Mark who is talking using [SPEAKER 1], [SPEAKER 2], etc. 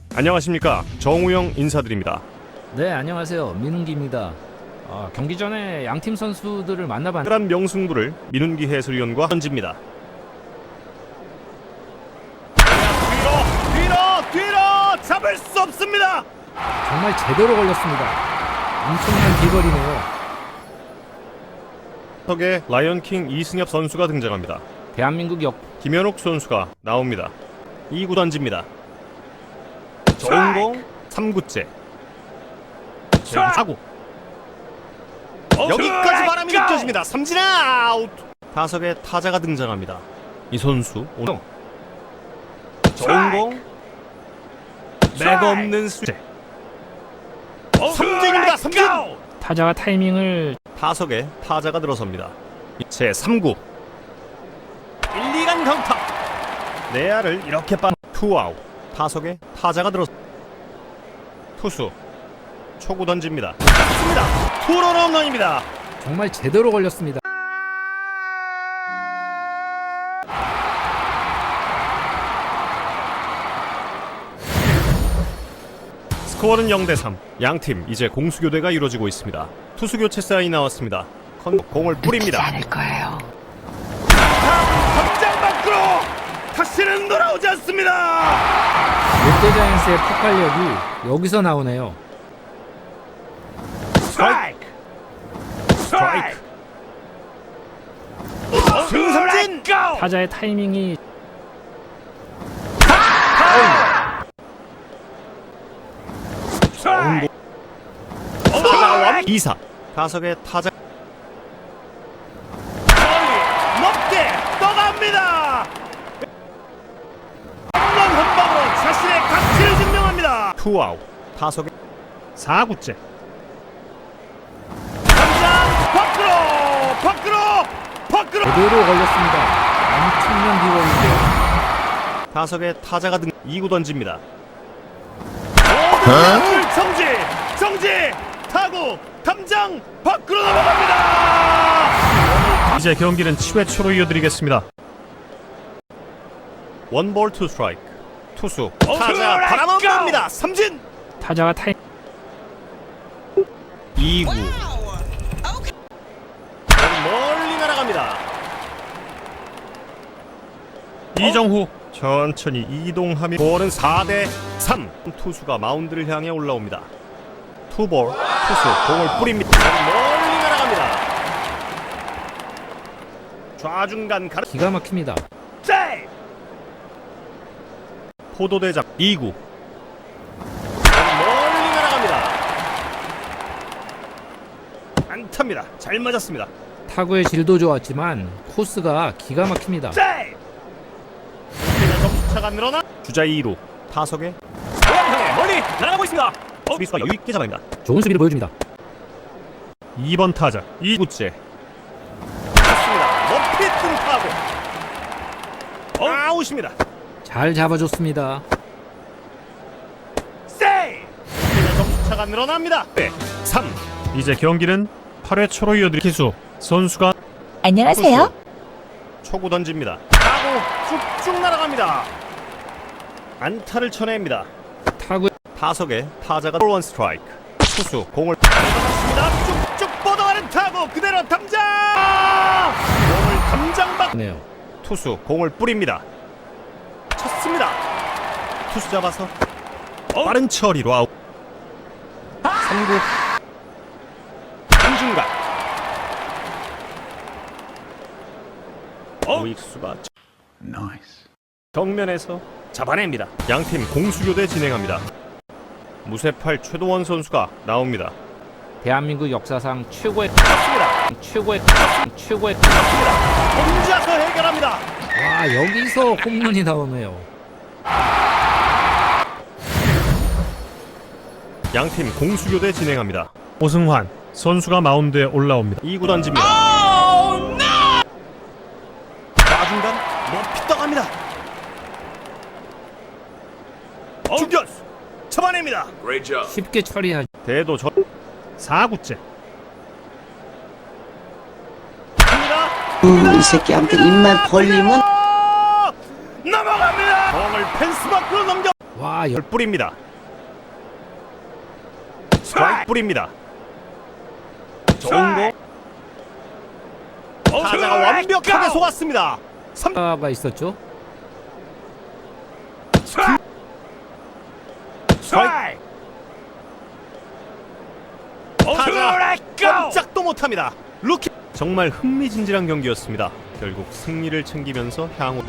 [SPEAKER 1] 안녕하십니까, 정우영 인사드립니다.
[SPEAKER 2] 네, 안녕하세요. 민웅기입니다. 경기 전에 양팀 선수들을 만나봤는데
[SPEAKER 1] 특별한 명승부를 민운기 해설위원과 던집니다. 뒤로 잡을 수 없습니다.
[SPEAKER 2] 정말 제대로 걸렸습니다. 엄청난 비거리네요.
[SPEAKER 1] 턱에 라이언킹 이승엽 선수가 등장합니다.
[SPEAKER 2] 대한민국
[SPEAKER 1] 김현욱 선수가 나옵니다. 2구 던집니다. 좋은 공 3구째 4구 여기까지 바람이 느껴집니다. 삼진 아웃. 타석에 타자가 등장합니다. 이 선수 오늘 좋은 공 맥없는 수제 삼진입니다. 삼진.
[SPEAKER 2] 타자가 타이밍을
[SPEAKER 1] 타석에 타자가 들어섭니다. 제 3구 1, 2간 강타. 내야를 이렇게 투아웃. 타석에 타자가 들어 투수 초구 던집니다. 맞습니다. 투런 홈런입니다.
[SPEAKER 2] 정말 제대로 걸렸습니다.
[SPEAKER 1] 스코어는 0대3. 양팀 이제 공수교대가 이루어지고 있습니다. 투수 교체 사인이 나왔습니다. 공을 뿌립니다.
[SPEAKER 3] 않을 거예요.
[SPEAKER 1] 확장 밖으로 다시는 돌아오지 않습니다.
[SPEAKER 2] 롯데자이언스의 폭발력이 여기서 나오네요.
[SPEAKER 1] 스트라이크. 승삼진.
[SPEAKER 2] 타자의 타이밍이
[SPEAKER 1] 타자와 2사. 타석에 타자 높게 떠갑니다. 홈런 한 방으로 자신의 가치를 증명합니다. 투아웃. 타석에 4구째 당장 밖으로
[SPEAKER 2] 제대로 걸렸습니다. 엄청난 비거리인데요.
[SPEAKER 1] 타석에 타자가 2구 던집니다. 모든 정지 타구 담장 밖으로 넘어갑니다. 이제 경기는 7회 초로 이어드리겠습니다. 원볼 투 스트라이크. 투수 타자 바람합니다. 삼진.
[SPEAKER 2] 타자가 타이
[SPEAKER 1] 2구 멀리 날아갑니다. 이정후 천천히 이동하며 볼은 4대3. 투수가 마운드를 향해 올라옵니다. 투볼. 투수 공을 뿌립니다. 멀리 날아갑니다. 좌중간 가르
[SPEAKER 2] 기가 막힙니다.
[SPEAKER 1] 포도대장 2구 멀리 날아갑니다. 안타입니다. 잘 맞았습니다.
[SPEAKER 2] 타구의 질도 좋았지만 코스가 기가 막힙니다.
[SPEAKER 1] 점수차가 늘어나 주자 2루. 타석에 향해 멀리 날아가고 있습니다. 수비수가 여유있게 잡아냅니다.
[SPEAKER 2] 좋은 수비를 보여줍니다.
[SPEAKER 1] 2번 타자 2구째 맞습니다. 높이 뜬 타구 아웃입니다.
[SPEAKER 2] 잘 잡아줬습니다.
[SPEAKER 1] 점수차가 늘어납니다. 3. 이제 경기는 8회 초로 이어드릴 기수 선수가
[SPEAKER 3] 안녕하세요.
[SPEAKER 1] 초구 던집니다. 타구 쭉쭉 날아갑니다. 안타를 쳐냅니다.
[SPEAKER 2] 타구
[SPEAKER 1] 타석에 타자가 원 스트라이크. 투수 공을 받았습니다. 쭉쭉 뻗어가는 타구 그대로 담장. 공을 담장 밖.
[SPEAKER 2] 네요.
[SPEAKER 1] 투수 공을 뿌립니다. 쳤습니다. 투수 잡아서 빠른 처리로 아웃. 3구 한중간 우익수가 정면에서 잡아냅니다. 양팀 공수교대 진행합니다. 무쇠팔 최도원 선수가 나옵니다.
[SPEAKER 2] 대한민국 역사상 최고의
[SPEAKER 1] 혼자서 해결합니다.
[SPEAKER 2] 와, 여기서 홈런이 나오네요.
[SPEAKER 1] 양팀 공수교대 진행합니다. 오승환 선수가 마운드에 올라옵니다. 2구 던집니다. 좌중간 높이 떠갑니다. 중견수 잡아냅니다.
[SPEAKER 2] 쉽게 처리하죠.
[SPEAKER 1] 대도 4구째
[SPEAKER 3] 이 새끼 아무튼 입만 벌리면
[SPEAKER 1] 넘어갑니다. 공을 펜스 밖으로 넘겨
[SPEAKER 2] 와,
[SPEAKER 1] 뿌립니다. 스트라이크 뿌립니다. 좋은 공. 타자가 완벽하게 속았습니다.
[SPEAKER 2] 가 있었죠.
[SPEAKER 1] 스트라이크. 타자 꼼짝도 못합니다. 루키. 정말 흥미진진한 경기였습니다. 결국 승리를 챙기면서 향후